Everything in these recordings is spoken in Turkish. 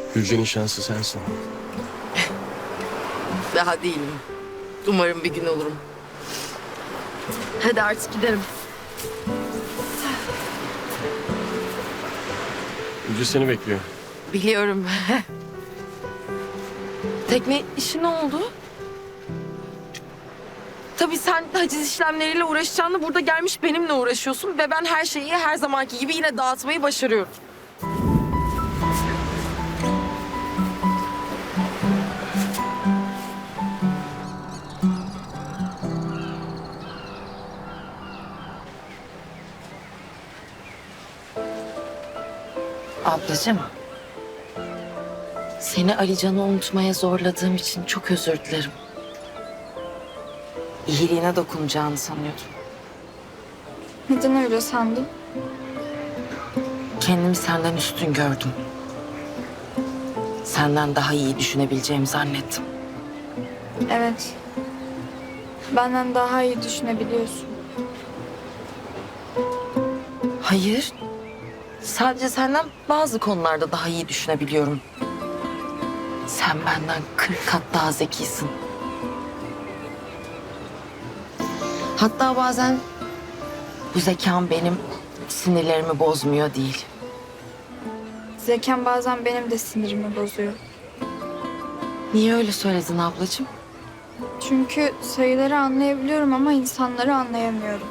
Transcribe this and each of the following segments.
Gülce'nin şansı sensin. Daha değilim. Umarım bir gün olurum. Hadi artık giderim. Gülce seni bekliyor. Biliyorum. Tekne işi ne oldu? Tabii sen haciz işlemleriyle uğraşacağını burada gelmiş benimle uğraşıyorsun ve ben her şeyi her zamanki gibi yine dağıtmayı başarıyorum. Ablacığım, seni Alican'ı unutmaya zorladığım için çok özür dilerim. İyiliğine dokunacağını sanıyordum. Neden öyle sandın? Kendimi senden üstün gördüm. Senden daha iyi düşünebileceğimi zannettim. Evet. Benden daha iyi düşünebiliyorsun. Hayır. Sadece senden bazı konularda daha iyi düşünebiliyorum. Sen benden 40 kat daha zekisin. Hatta bazen bu zekam benim sinirlerimi bozmuyor değil. Zekan bazen benim de sinirimi bozuyor. Niye öyle söyledin ablacığım? Çünkü sayıları anlayabiliyorum ama insanları anlayamıyorum.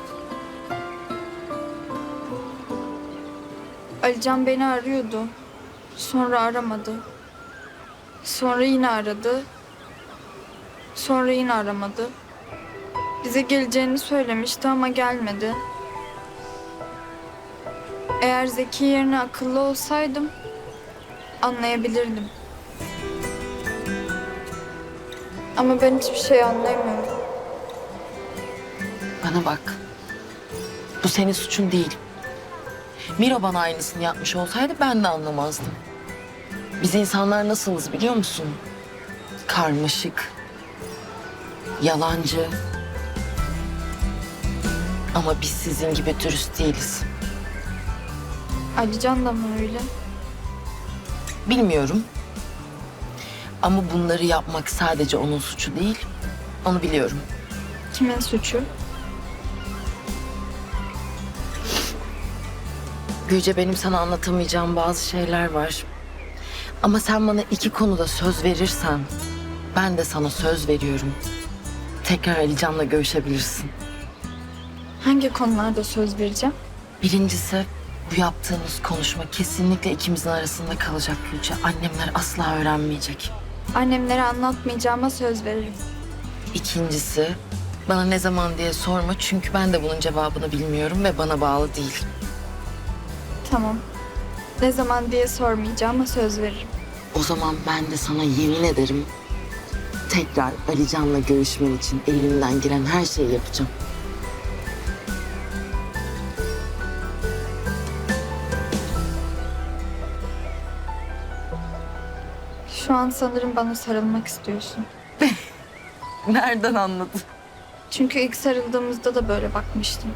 Alican beni arıyordu. Sonra aramadı. Sonra yine aradı. Sonra yine aramadı. Bize geleceğini söylemişti ama gelmedi. Eğer zeki yerine akıllı olsaydım anlayabilirdim. Ama ben hiçbir şey anlayamıyorum. Bana bak. Bu senin suçun değil. Miro bana aynısını yapmış olsaydı ben de anlamazdım. Biz insanlar nasılız biliyor musun? Karmaşık, yalancı. Ama biz sizin gibi dürüst değiliz. Alican da mı öyle? Bilmiyorum. Ama bunları yapmak sadece onun suçu değil. Onu biliyorum. Kimin suçu? Gülce, benim sana anlatamayacağım bazı şeyler var. Ama sen bana 2 konuda söz verirsen ben de sana söz veriyorum. Tekrar Alican'la görüşebilirsin. Hangi konularda söz vereceğim? Birincisi, bu yaptığımız konuşma kesinlikle ikimizin arasında kalacak Gülce. Annemler asla öğrenmeyecek. Annemlere anlatmayacağıma söz veririm. İkincisi, bana ne zaman diye sorma çünkü ben de bunun cevabını bilmiyorum ve bana bağlı değil. Tamam. Ne zaman diye sormayacağıma söz veririm. O zaman ben de sana yemin ederim tekrar Alican'la görüşmen için elimden gelen her şeyi yapacağım. Şu an sanırım bana sarılmak istiyorsun. Nereden anladın? Çünkü ilk sarıldığımızda da böyle bakmıştım.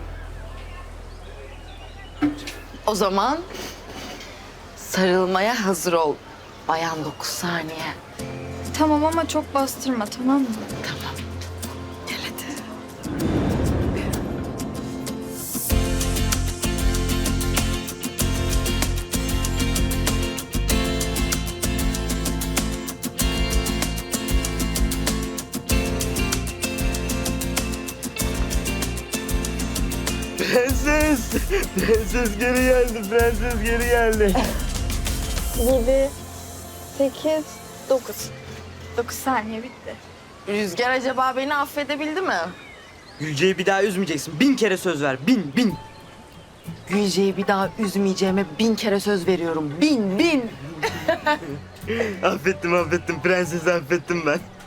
O zaman sarılmaya hazır ol. Bayan 9 saniye. Tamam ama çok bastırma, tamam mı? Tamam. Gel hadi. Prenses! Prenses geri geldi, prenses geri geldi. 7, 8, 9. 9 saniye bitti. Rüzgar acaba beni affedebildi mi? Gülce'yi bir daha üzmeyeceksin. 1000 kere söz ver. 1000. Gülce'yi bir daha üzmeyeceğime 1000 kere söz veriyorum. 1000. Affettim. Prensesi affettim ben.